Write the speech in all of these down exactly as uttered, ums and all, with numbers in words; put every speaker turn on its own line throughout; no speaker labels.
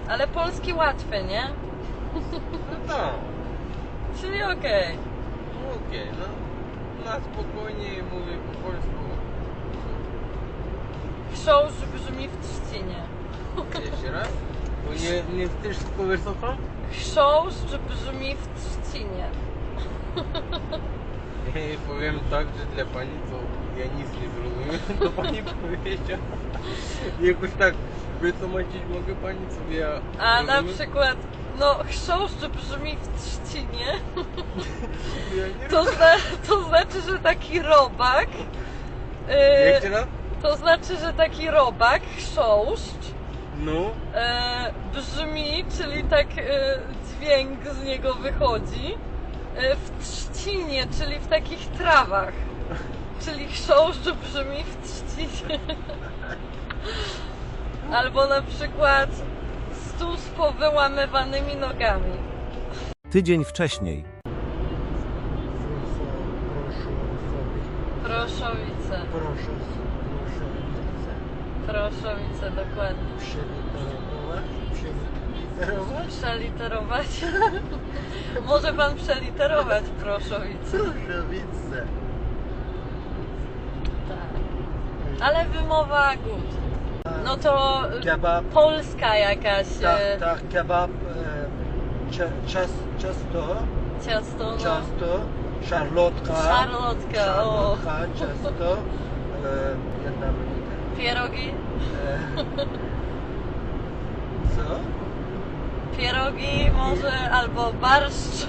Ale polski łatwy, nie?
No tak.
Czyli okej. Okay.
No okej, okay, no. Na spokojnie mówię po polsku.
Chrząszcz brzmi w trzcinie.
Jeszcze raz? Bo nie, nie chcesz powysoko?
Chrząszcz brzmi w trzcinie.
Ja powiem tak, że dla pani to ja nic nie zrozumiem, to pani powiedziała. Jakoś tak wytłumaczyć mogę pani, co ja
A na
rozumiem?
przykład, no chrząszcz brzmi w trzcinie.
Ja nie
To, zna, to znaczy, że taki robak. Yy,
Jeszcze raz?
to znaczy, że taki robak, chrząszcz,
No.
e, brzmi, czyli tak e, dźwięk z niego wychodzi e, w trzcinie, czyli w takich trawach. Czyli chrząszcz brzmi w trzcinie. Albo na przykład stół z powyłamywanymi nogami.
Tydzień wcześniej.
Proszowice.
Proszę, proszę,
Proszowice, dokładnie.
przeliterować, przeliterować,
Przeliterować? Może pan przeliterować proszowice.
Proszowice.
Tak. Ale wymowa good. No to
Kebab.
polska jakaś
Tak,
e,
tak, kebab, e, cia, cias, ciasto,
ciasto, no.
ciasto, szarlotka,
Szarlotka, o.
szarlotka, ciasto, e, jedna minuta.
Pierogi?
E, co?
Pierogi może, albo barszcz.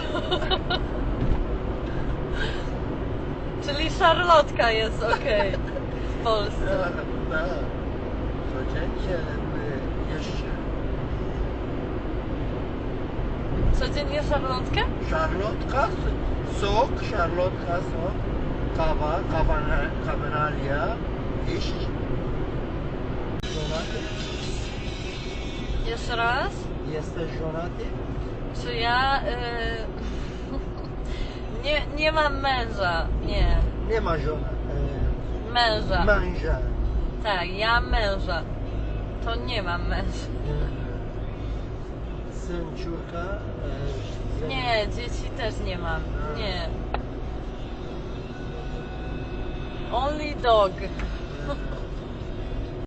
Czyli szarlotka jest okej w Polsce.
Tak, tak. Codziennie my jeszcze
Codziennie szarlotkę?
szarlotka, sok, szarlotka, sok, kawa, kawana- kawenalia, iść. Żonaty?
Jeszcze raz?
Jesteś żonaty?
Czy ja... Y... nie, nie mam męża, nie.
Nie ma żona.
Męża.
E, męża.
Tak, ja męża. To nie mam męża.
E, syn, córka. E,
Nie, dzieci też nie mam. Nie. Only dog.
e,